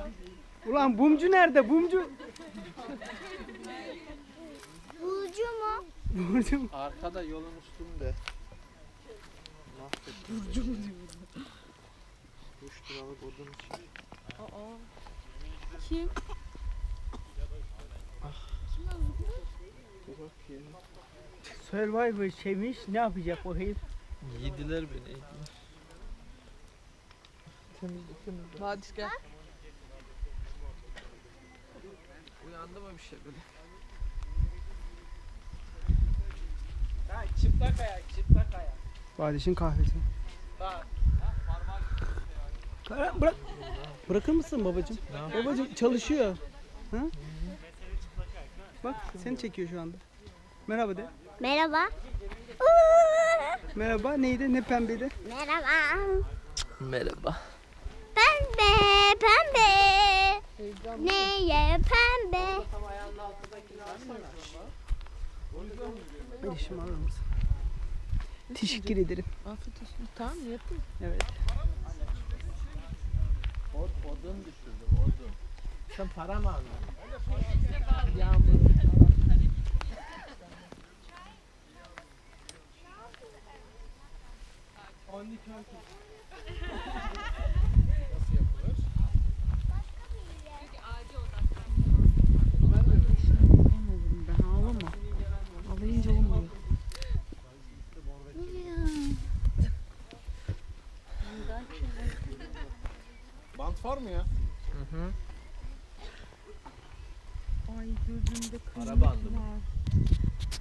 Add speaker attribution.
Speaker 1: Ulan bumcu nerede? Bumcu.
Speaker 2: Burcu mu?
Speaker 1: Bumcu mu?
Speaker 3: Arkada yolun üstünde. Burcu mu diyor? 3 liralık odun için.
Speaker 4: Kim?
Speaker 3: Bir bak ya.
Speaker 1: Survivor şeymiş. Ne yapacak o herif?
Speaker 3: Yediler beni. Yediler. Temizlik.
Speaker 4: Hadi gel.
Speaker 3: Uyandı mı bir şey böyle?
Speaker 5: Ha, çıplak ayak, çıplak ayak.
Speaker 1: Kardeşin kahvesi.
Speaker 5: Bak.
Speaker 1: Bırak. Bırakır mısın babacığım? Babacığım çalışıyor. Ha? Bak seni çekiyor şu anda. Merhaba de.
Speaker 2: Merhaba.
Speaker 1: Merhaba. Neydi? Ne pembeydi?
Speaker 2: Merhaba.
Speaker 3: Merhaba.
Speaker 2: Pembe, pembe. Neye pembe?
Speaker 1: Eşim alır mısın? Teşekkür ederim.
Speaker 4: Afiyet olsun. Tamam mı? Yapayım.
Speaker 1: Evet.
Speaker 3: Odun düşürdüm odun. Sen para mı aldın?
Speaker 4: Yağmur.
Speaker 3: Nasıl yapılır?
Speaker 4: Ben ağlama. Ağlayınca olmuyor.
Speaker 3: Bant var mı ya? Hı hı.
Speaker 4: Ay gözümde
Speaker 3: Para bandı mı?
Speaker 4: var.